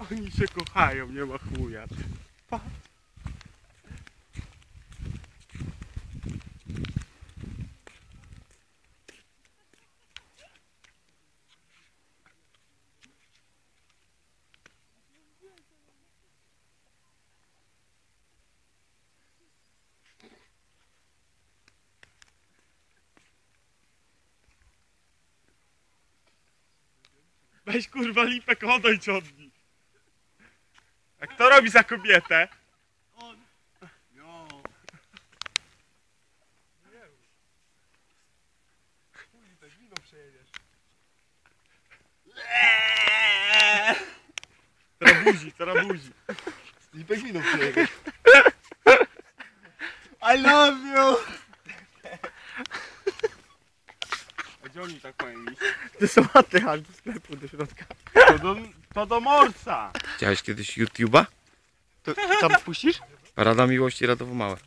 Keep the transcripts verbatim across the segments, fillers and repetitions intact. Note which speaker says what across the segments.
Speaker 1: Oni się kochają, nie ma chuja. Pa. Weź kurwa Lipek, odejdź od nich. A kto robi za kobietę?
Speaker 2: On. Jo. Nie wiem. Chuj, tak wino przejedziesz.
Speaker 1: Teraz buzi, teraz buzi.
Speaker 2: Lipek wino przejedziesz. I love you!
Speaker 1: A gdzie oni tak mają iść?
Speaker 3: Do sałaty, aż do sklepu, do środka.
Speaker 1: To do, to do morsa.
Speaker 4: Widziałeś kiedyś YouTube'a?
Speaker 3: To tam wpuścisz?
Speaker 4: Rada Miłości Radowo Małe.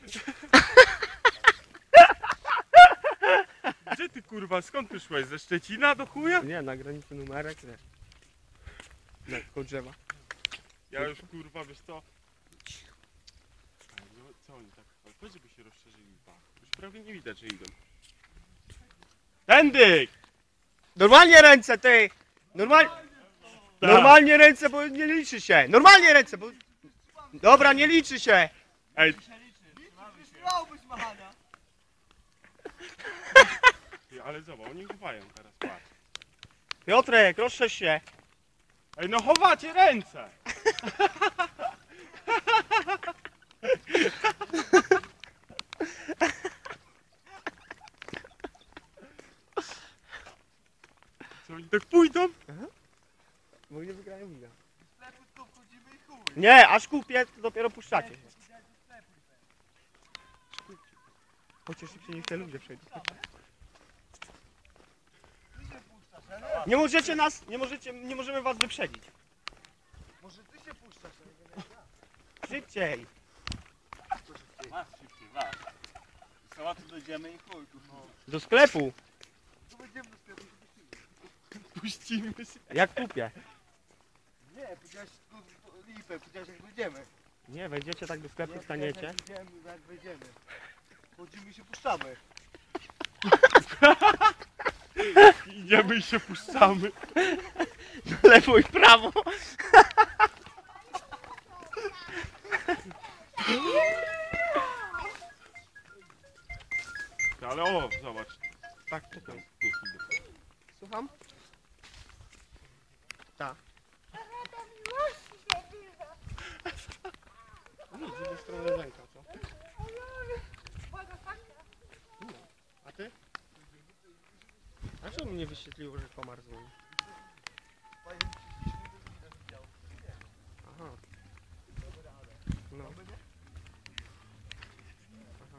Speaker 1: Gdzie ty kurwa, skąd ty szłeś? Ze Szczecina do chuja?
Speaker 3: Nie, na granicy numerek, nie. Na koło drzewa.
Speaker 1: Ja już kurwa, wiesz co? No, co oni tak? Ale powiedz, żeby się rozszerzyli. Już prawie nie widać, że idą. Tędy!
Speaker 3: Normalnie ręce, ty! Normal...
Speaker 1: Tak.
Speaker 3: Normalnie ręce, bo nie liczy się. Normalnie ręce, bo... Dobra, nie liczy się.
Speaker 1: Ej, ty, ale zobacz, oni chowają teraz, patrz.
Speaker 3: Piotrek, rozszerz się.
Speaker 1: Ej, no chowacie ręce! Co, oni tak pójdą?
Speaker 3: Bo nie wygrają wina. Nie, aż kupię, to dopiero puszczacie się. Chociaż szybciej niech te ludzie przejdą. Nie możecie nas, nie możecie, nie możemy was wyprzedzić.
Speaker 2: Może ty się puszczasz,
Speaker 3: Szybciej.
Speaker 2: masz szybciej, masz. Do sałaty dojdziemy i chuj, tu.
Speaker 3: Do sklepu.
Speaker 2: Tu będziemy do sklepu.
Speaker 1: Puścimy się.
Speaker 3: Jak kupię.
Speaker 2: Nie, powiedziałeś Lipek, powiedziałeś jak wyjdziemy.
Speaker 3: Nie, wejdziecie tak do sklepu,
Speaker 2: Nie,
Speaker 3: staniecie.
Speaker 2: Jak wyjdziemy, jak wyjdziemy. Chodzimy i się puszczamy.
Speaker 1: Idziemy i się puszczamy.
Speaker 3: Na lewo i prawo.
Speaker 1: Ale o, zobacz.
Speaker 3: Tak, to jest.
Speaker 1: Tu idę.
Speaker 3: Słucham? Tak. Nie, z drugiej strony ręka, co? No. A ty? A czemu mnie wyświetliło, że komar dzwoni? Aha. No. Aha.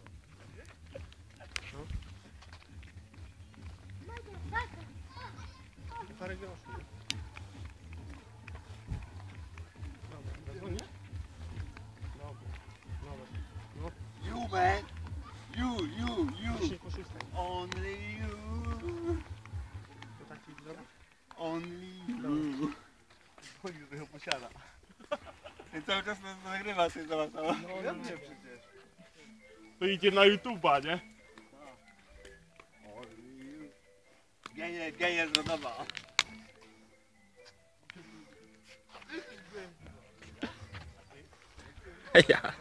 Speaker 3: No. Parę groszy. Dobra, zadzwonisz? Dobra, dobra. No,
Speaker 2: You man, you, you, you.
Speaker 3: dzisiaj po szóstej.
Speaker 2: Only you,
Speaker 3: To tak ci zrobić?
Speaker 2: only you. Chodzi, że go posiada. Ten cały czas nas nagrywa, ty zobacz. No,
Speaker 3: no,
Speaker 2: ja
Speaker 3: no.
Speaker 2: wiem przecież.
Speaker 1: To idzie na YouTube'a, nie?
Speaker 2: Only you. Genie, genie z Rodowa.
Speaker 4: Ja.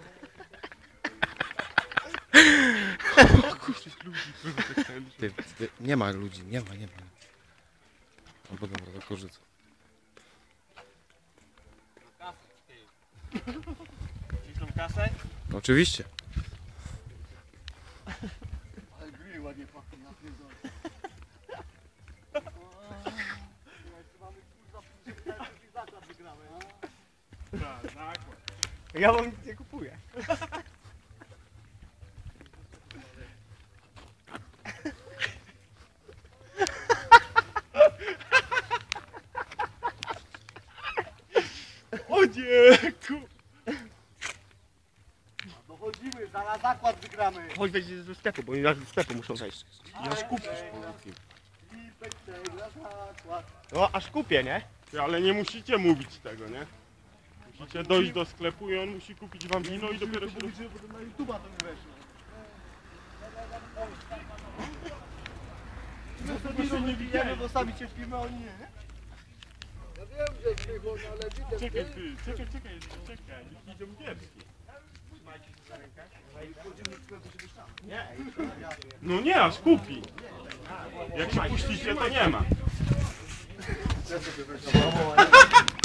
Speaker 4: Ty, ty, nie ma ludzi, nie ma, nie ma. No bo dobra, to korzycę.
Speaker 2: Chcesz tą kasę?
Speaker 4: Oczywiście.
Speaker 2: Ale grill ładnie pachnie, ja pierdolę. Zakład wygramy.
Speaker 1: Tak, zakład.
Speaker 3: Ja wam nic nie kupuję.
Speaker 1: O nie, ku...
Speaker 2: Dochodzimy, zaraz zakład wygramy.
Speaker 3: Chodź wejść ze sklepu, bo oni do sklepu muszą wejść.
Speaker 1: Ja skupisz po tym.
Speaker 2: Lipek przegra zakład.
Speaker 3: No, aż kupię, nie?
Speaker 1: Ty, ale nie musicie mówić tego, nie? Musicie dojść do sklepu i on musi kupić wam wino i dopiero się...
Speaker 2: Mówić, że potem na YouTube'a to nie weszło. My sobie się nie widzimy, bo sami cierpimy, a oni nie, nie?
Speaker 5: Ja wiem, że zbyło, no ale widzę.
Speaker 1: Czekaj, ty, czekaj, czekaj, czekaj, niech idą pierwsi. No nie, aż kupi. Jak się puścicie, to nie ma.